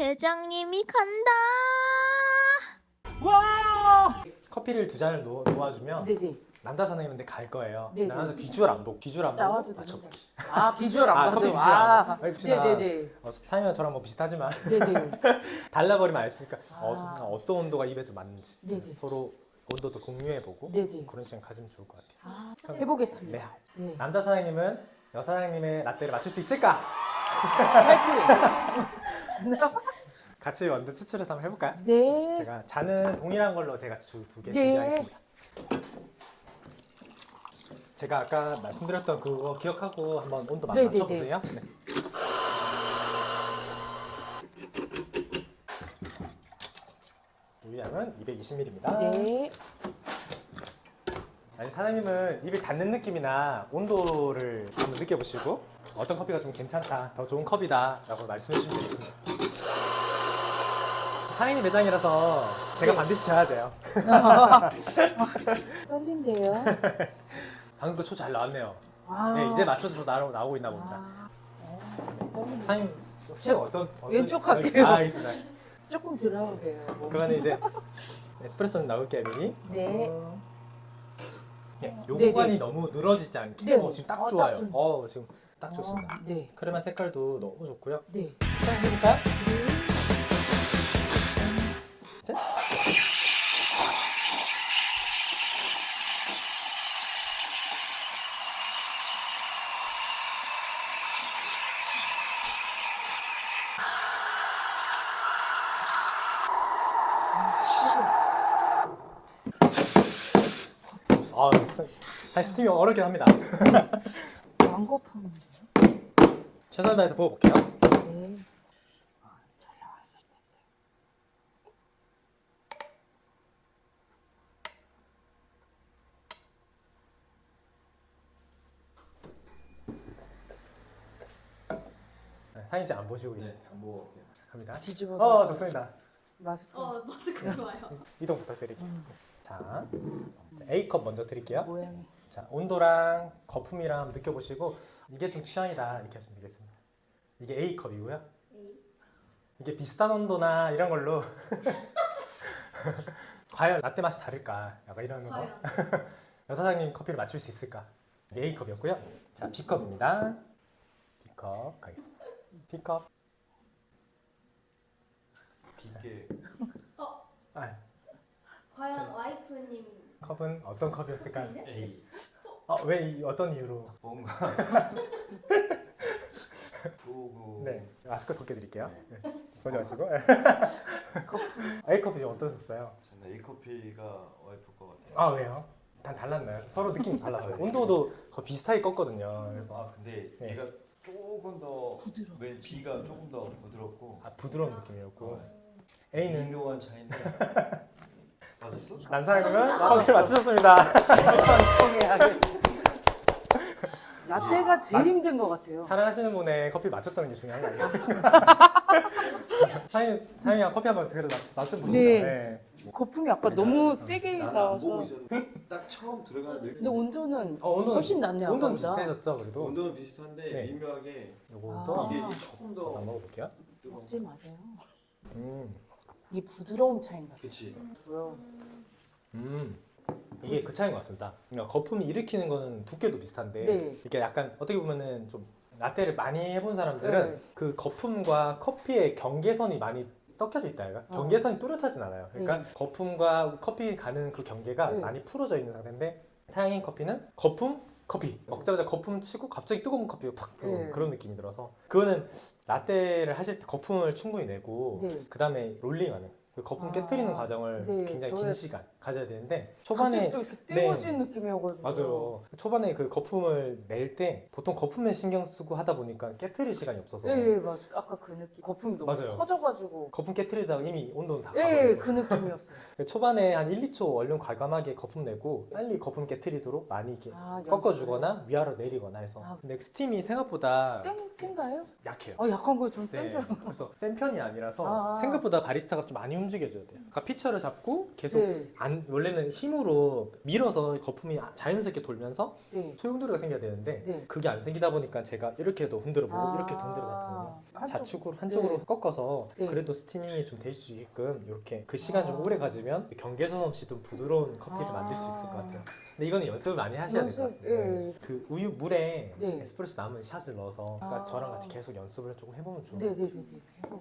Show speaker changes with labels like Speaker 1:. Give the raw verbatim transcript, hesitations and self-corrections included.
Speaker 1: 대장님이 간다.
Speaker 2: 와!
Speaker 3: 커피를 두 잔을 놓, 놓아주면
Speaker 2: 네네.
Speaker 3: 남자 사장님한테 갈 거예요.
Speaker 2: 네네.
Speaker 3: 나는 비주얼 안 보고 비주얼 안 보고
Speaker 2: 나와도
Speaker 3: 맞춰볼게.
Speaker 2: 아 비주얼 안
Speaker 3: 아,
Speaker 2: 봐도.
Speaker 3: 커피 비주얼
Speaker 2: 아,
Speaker 3: 안 봐도. 혹시나
Speaker 2: 네네네.
Speaker 3: 어, 사장님은 저랑 뭐 비슷하지만
Speaker 2: 네네.
Speaker 3: 달라버리면 알 수 있으니까
Speaker 2: 아.
Speaker 3: 어, 어떤 온도가 입에 좀 맞는지
Speaker 2: 네네.
Speaker 3: 서로 온도도 공유해보고
Speaker 2: 네네.
Speaker 3: 그런 시간 가지면 좋을 것 같아요.
Speaker 2: 아, 해보겠습니다.
Speaker 3: 네.
Speaker 2: 네.
Speaker 3: 남자 사장님은 여사 사장님의 라떼를 맞출 수 있을까?
Speaker 2: 파이팅!
Speaker 3: 같이 원두 추출해서 한번 해볼까요?
Speaker 2: 네.
Speaker 3: 제가 잔은 동일한 걸로 제가 두개
Speaker 2: 네.
Speaker 3: 준비하겠습니다. 제가 아까 말씀드렸던 그거 기억하고 한번 온도
Speaker 2: 네,
Speaker 3: 맞춰보세요. 네. 물량은 이백이십 밀리리터입니다.
Speaker 2: 네.
Speaker 3: 아니 사장님은 입에 닿는 느낌이나 온도를 한번 느껴보시고 어떤 커피가 좀 괜찮다, 더 좋은 컵이다 라고 말씀해 주시면 되겠습니다. 사장님 매장이라서 제가
Speaker 2: 네.
Speaker 3: 반드시 져야 돼요.
Speaker 2: 떨린데요.
Speaker 3: 방금도 초 잘 나왔네요.
Speaker 2: 아.
Speaker 3: 네, 이제 맞춰서 나오, 나오고 있나 봅니다.
Speaker 2: 아. 어,
Speaker 3: 사장님 혹시 어떤, 어떤
Speaker 2: 왼쪽 할게요.
Speaker 3: 아, 알겠습니다.
Speaker 2: 조금 들어오게요.
Speaker 3: 그러면 이제 에스프레소는 나올게요 미리.
Speaker 2: 네.
Speaker 3: 네, 요
Speaker 2: 네네.
Speaker 3: 구간이 너무 늘어지지 않게
Speaker 2: 네.
Speaker 3: 어, 지금 딱
Speaker 2: 어,
Speaker 3: 좋아요.
Speaker 2: 딱 좋-
Speaker 3: 어, 지금 딱 좋습니다.
Speaker 2: 어, 네.
Speaker 3: 크레마 색깔도 너무 좋고요.
Speaker 2: 네.
Speaker 3: 자, 해볼까요? 셋. 아, 사실 스팀이 어렵긴 합니다.
Speaker 2: 왕거품인데요.
Speaker 3: 최선을 다해서 부어볼게요.
Speaker 2: 네. 아, 잘 나왔을 텐데.
Speaker 3: 네, 사진 안 보시고 계십니다.
Speaker 4: 안 먹을게요.
Speaker 3: 갑니다.
Speaker 2: 뒤집어서.
Speaker 3: 어, 좋습니다.
Speaker 2: 마스크.
Speaker 1: 어 마스크 좋아요.
Speaker 3: 이동 부탁드릴게요.
Speaker 2: 음.
Speaker 3: 자, A컵 먼저 드릴게요.
Speaker 2: 모양이.
Speaker 3: 자, 온도랑 거품이랑 한번 느껴보시고 이게 좀 취향이다 이렇게 하시면 되겠습니다. 이게 A컵이고요. 이게 비슷한 온도나 이런 걸로 과연 라떼 맛이 다를까? 약간 이런 거.
Speaker 1: 과연.
Speaker 3: 여사장님 커피를 맞출 수 있을까? 이게 A컵이었고요. 자, B컵입니다. B컵 가겠습니다. B컵.
Speaker 4: 비게
Speaker 3: 아,
Speaker 1: 과연 와이프님
Speaker 3: 컵은 어떤 컵이었을까요?
Speaker 1: 네?
Speaker 4: A
Speaker 3: 어, 왜 이- 어떤 이유로?
Speaker 4: 뭔가 조금
Speaker 3: 네, 마스크 벗겨드릴게요. 네. 보지 마시고.
Speaker 2: 거품.
Speaker 3: A컵이 좀 어떠셨어요?
Speaker 4: 저는 A 커피가 와이프 것 같아요.
Speaker 3: 아, 왜요? 단 달랐나요? 서로 느낌이 달랐어요. 온도도 거의 비슷하게 껐거든요. 그래서
Speaker 4: 아 근데
Speaker 3: 네.
Speaker 4: 얘가 조금 더
Speaker 2: 부드러워.
Speaker 4: 왠 B가 조금 더 부드럽고
Speaker 3: 아, 부드러운 느낌이었고
Speaker 4: A는
Speaker 3: A는
Speaker 4: 인도한 차인데 맞았어?
Speaker 3: 남사님은 커피를 맞추셨습니다.
Speaker 2: 성해하게. 라떼가 제일 힘든 것 같아요.
Speaker 3: 사랑하시는 분의 커피 맞췄다는 게 중요한 거 아니에요? 사장님, 사장님이랑 커피 한번 그래도 맞- 맞춰보시죠.
Speaker 2: 네.
Speaker 3: 네.
Speaker 2: 거품이 아까 너무 세게
Speaker 4: 나는 안
Speaker 2: 나와서.
Speaker 4: 보고 있었는데 딱 처음 들어가는 느낌.
Speaker 2: 근데 온도는
Speaker 3: 어, 온도는,
Speaker 2: 훨씬 낫네요.
Speaker 3: 온도는
Speaker 2: 아까보다.
Speaker 3: 비슷해졌죠, 그래도.
Speaker 4: 온도는 비슷한데
Speaker 3: 네.
Speaker 4: 미묘하게
Speaker 3: 요거도
Speaker 2: 아.
Speaker 4: 이게 조금
Speaker 3: 저도 한번
Speaker 4: 더
Speaker 3: 먹어볼게요.
Speaker 4: 뜨거워.
Speaker 2: 먹지 마세요.
Speaker 3: 음,
Speaker 2: 이 부드러움 차이인가
Speaker 4: 그치.
Speaker 2: 봐요.
Speaker 3: 음. 이게 그 차이인 것 같습니다. 그러니까 거품이 일으키는 거는 두께도 비슷한데
Speaker 2: 네.
Speaker 3: 이게 약간 어떻게 보면은 좀 라떼를 많이 해본 사람들은
Speaker 2: 네.
Speaker 3: 그 거품과 커피의 경계선이 많이 섞여져 있다 얘가
Speaker 2: 어.
Speaker 3: 경계선이 뚜렷하진 않아요. 그러니까
Speaker 2: 네.
Speaker 3: 거품과 커피 가는 그 경계가
Speaker 2: 네.
Speaker 3: 많이 풀어져 있는 상태인데 사양인 커피는 거품 커피 먹자마자 거품 치고 갑자기 뜨거운 커피가 팍 들어오는
Speaker 2: 네.
Speaker 3: 그런 느낌이 들어서 그거는 라떼를 하실 때 거품을 충분히 내고
Speaker 2: 네.
Speaker 3: 그 다음에 롤링하는 그 거품
Speaker 2: 아.
Speaker 3: 깨뜨리는 과정을
Speaker 2: 네,
Speaker 3: 굉장히
Speaker 2: 저의-
Speaker 3: 긴 시간 가져야 되는데
Speaker 2: 초반에
Speaker 3: 초반에
Speaker 2: 또 이렇게
Speaker 3: 네.
Speaker 2: 뜨거워진 느낌이어가지고.
Speaker 3: 맞아요. 초반에 그 거품을 낼 때 보통 거품에 신경 쓰고 하다 보니까 깨트릴 시간이 없어서
Speaker 2: 예, 예, 맞아. 아까 그 느낌. 거품이 너무
Speaker 3: 맞아요.
Speaker 2: 커져가지고.
Speaker 3: 거품 깨트리다가 이미 온도는 다
Speaker 2: 예,
Speaker 3: 가버려요.
Speaker 2: 그 느낌이었어요.
Speaker 3: 초반에 한 일, 이 초 얼른 과감하게 거품 내고 빨리 거품 깨트리도록 많이 이렇게
Speaker 2: 아,
Speaker 3: 꺾어주거나 위아래로 내리거나 해서
Speaker 2: 아.
Speaker 3: 근데 스팀이 생각보다
Speaker 2: 센, 센가요?
Speaker 3: 약해요.
Speaker 2: 아, 약한 거예요. 전
Speaker 3: 네,
Speaker 2: 센 줄 알고.
Speaker 3: 그래서 센 편이 아니라서
Speaker 2: 아.
Speaker 3: 생각보다 바리스타가 좀 많이 움직여줘야 돼요. 그러니까 피처를 잡고 계속
Speaker 2: 네.
Speaker 3: 안 원래는 힘으로 밀어서 거품이 자연스럽게 돌면서
Speaker 2: 네.
Speaker 3: 소용돌이가 생겨야 되는데
Speaker 2: 네.
Speaker 3: 그게 안 생기다 보니까 제가 이렇게도 흔들어보고
Speaker 2: 아.
Speaker 3: 이렇게도 흔들어봤거든요.
Speaker 2: 한쪽-
Speaker 3: 좌측으로 한쪽으로
Speaker 2: 네.
Speaker 3: 꺾어서
Speaker 2: 네.
Speaker 3: 그래도 스티밍이 좀 될 수 있게끔 이렇게 그 시간 좀
Speaker 2: 아.
Speaker 3: 오래 가지면 경계선 없이 좀 부드러운 커피를
Speaker 2: 아.
Speaker 3: 만들 수 있을 것 같아요. 근데 이거는 연습을 많이 하셔야 될 것
Speaker 2: 연습,
Speaker 3: 같습니다.
Speaker 2: 예.
Speaker 3: 그 우유 물에
Speaker 2: 네.
Speaker 3: 에스프레소 남은 샷을 넣어서 아까
Speaker 2: 아.
Speaker 3: 저랑 같이 계속 연습을 조금 해보면 좋을 것
Speaker 2: 네,
Speaker 3: 같아요.
Speaker 2: 네, 네, 네. 해볼게요.